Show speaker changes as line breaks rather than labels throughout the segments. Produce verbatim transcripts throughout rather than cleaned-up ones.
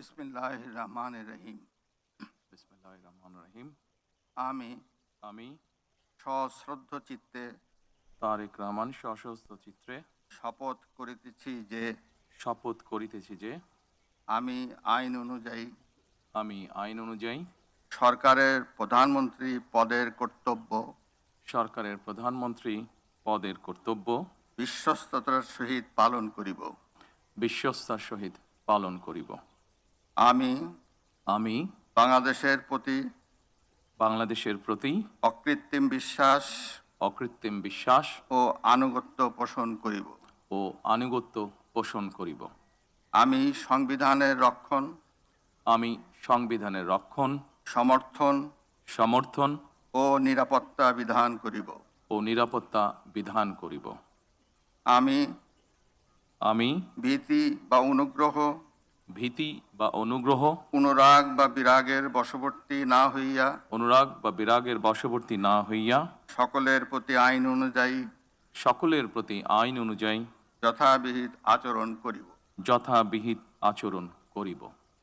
বিসমিল্লাহির রহমানির রহিম।
বিসমিল্লাহির রহমানির রহিম।
আমি
আমি
সশ্রদ্ধ চিত্তে
তারেক রহমান সশস্ত্র চিত্রে
শপথ করিতেছি যে
শপথ করিতেছি যে
আমি আইন অনুযায়ী
আমি আইন অনুযায়ী
সরকারের প্রধানমন্ত্রী পদের কর্তব্য
সরকারের প্রধানমন্ত্রী পদের কর্তব্য
বিশ্বস্ততার সহিত পালন করিব।
বিশ্বস্তার সহিত পালন করিব।
আমি
আমি
বাংলাদেশের প্রতি
বাংলাদেশের প্রতি
অকৃত্রিম বিশ্বাস
অকৃত্রিম বিশ্বাস
ও আনুগত্য পোষণ করিব।
ও আনুগত্য পোষণ করিব।
আমি সংবিধানের রক্ষণ
আমি সংবিধানের রক্ষণ
সমর্থন
সমর্থন
ও নিরাপত্তা বিধান করিব।
ও নিরাপত্তা বিধান করিব।
আমি
আমি
ভীতি বা অনুগ্রহ
ভীতি বা অনুগ্রহ
অনুরাগ বা বিরাগের বশবর্তী না হইয়া
অনুরাগ বা বিরাগের বশবর্তী না হইয়া
সকলের প্রতি আইন অনুযায়ী
সকলের প্রতি আইন অনুযায়ী
যথাবিহিত আচরণ করিব।
যথাবিহিত আচরণ করিব।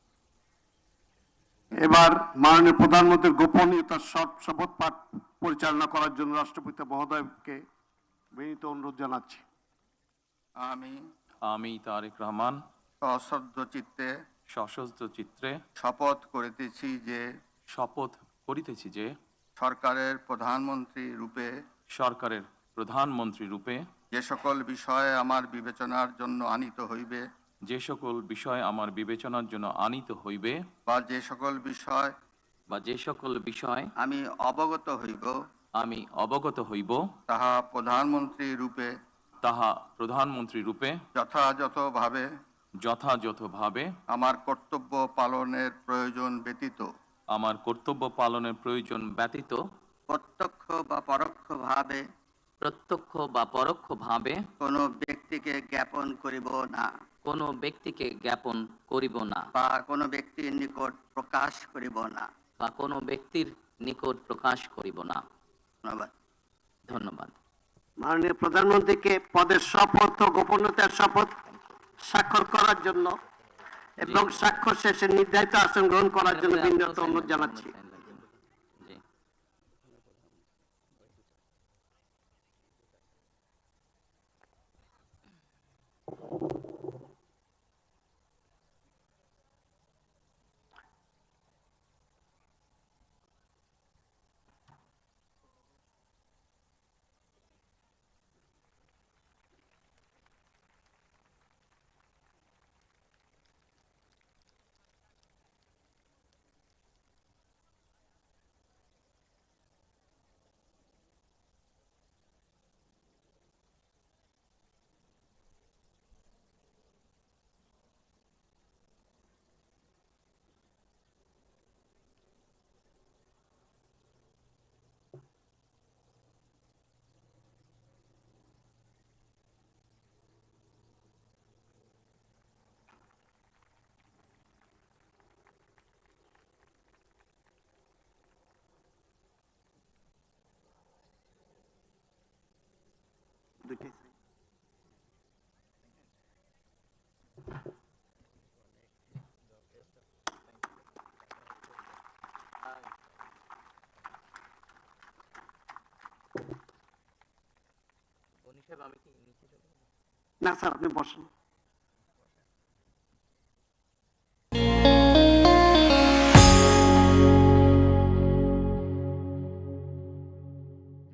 এবার মাননীয় প্রধানমন্ত্রীর গোপনীয়তার শপথ পাঠ পরিচালনা করার জন্য রাষ্ট্রপতি মহোদয়কে বিনীত অনুরোধ জানাচ্ছি।
আমি
আমি তারেক রহমান
সশ্রদ্ধ চিত্তে
সশস্ত্র চিত্রে
শপথ করিতেছি যে
শপথ করিতেছি যে
সরকারের প্রধানমন্ত্রী রূপে
সরকারের প্রধানমন্ত্রী রূপে
যে সকল বিষয়ে আমার বিবেচনার জন্য আনিত হইবে
যে সকল বিষয় আমার বিবেচনার জন্য আনিত হইবে
বা যে সকল বিষয়
বা যে সকল বিষয়
আমি অবগত হইব
আমি অবগত হইব
তাহা প্রধানমন্ত্রী রূপে
তাহা প্রধানমন্ত্রী রূপে
যথাযথভাবে
যথাযথভাবে
আমার কর্তব্য পালনের প্রয়োজন ব্যতীত
আমার কর্তব্য পালনের প্রয়োজন ব্যতীত
প্রত্যক্ষ বা পরোক্ষভাবে
প্রত্যক্ষ বা পরোক্ষভাবে
কোনো ব্যক্তিকে জ্ঞাপন করিব না
কোনো ব্যক্তিকে জ্ঞাপন করিব না
বা কোনো ব্যক্তির নিকট প্রকাশ করিব না।
বা কোনো ব্যক্তির নিকট প্রকাশ করিব না।
ধন্যবাদ।
ধন্যবাদ।
মাননীয় প্রধানমন্ত্রীকে পদের শপথ ও গোপনীয়তার শপথ স্বাক্ষর করার জন্য এবং স্বাক্ষর শেষে নির্ধারিত আসন গ্রহণ করার জন্য বিনীত অনুরোধ জানাচ্ছি।
জি।
না স্যার, আপনি বসেন।